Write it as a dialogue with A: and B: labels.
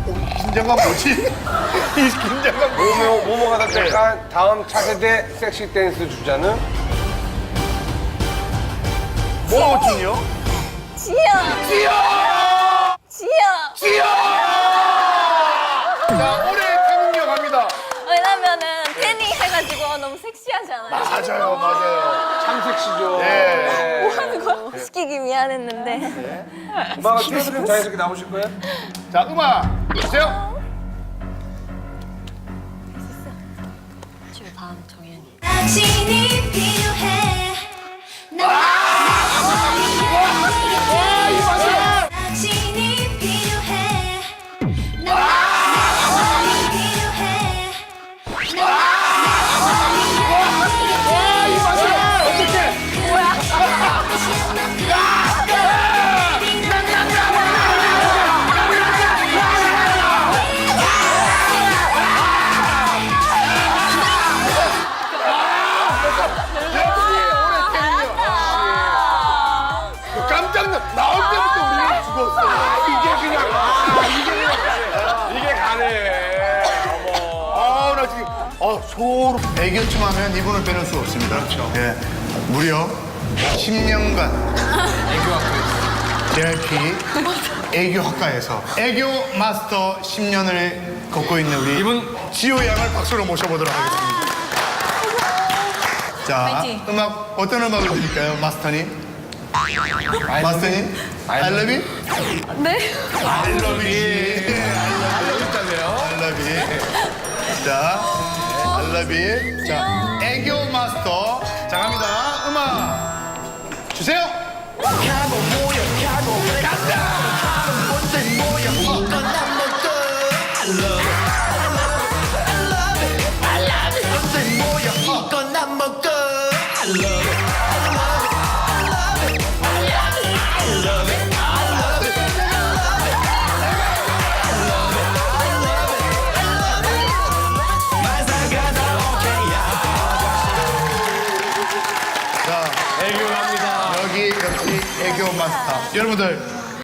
A: 긴장감 뭐지? 이 긴장감 뭐지?
B: 모모가 선택한 다음 차세대 섹시 댄스 주자는
A: 뭐진요?
C: 지영!
A: 지영!
C: 지영!
A: 지영! 자, 올해 태국역 갑니다.
C: 왜냐면은 태닝 해가지고 너무 섹시하잖아요.
A: 맞아요, 맞아요.
B: 참 섹시죠.
A: 네.
C: 뭐 하는 거야? 시키기 미안했는데.
B: 음악을 틀어드리면 자연스럽게 나오실 거예요?
A: 자, 음악 주세요.
C: 지금 다음 정연이.
D: 당신이 필요해. 당신이 필요해.
A: 깜짝 나올 때부터 우리는 죽었어.
B: 이게 가네.
A: 나 지금 소름. 애교춤 하면 이분을 빼놓을 수 없습니다. 그렇죠. 예, 무려 10년간 JYP 애교학과에서 애교 마스터 10년을 걷고 있는 우리 이분 지호 양을 박수로 모셔보도록 하겠습니다. 자, 음악 어떤 음악을 드릴까요, 마스터님? 마스터님? I love you?
C: 네?
A: I love you. I love you. 자, I love you. 자, 애교 마스터. 자, 갑니다. 음악 주세요. 자,
B: 애교합니다.
A: 여기 역시 애교 마스터. 여러분들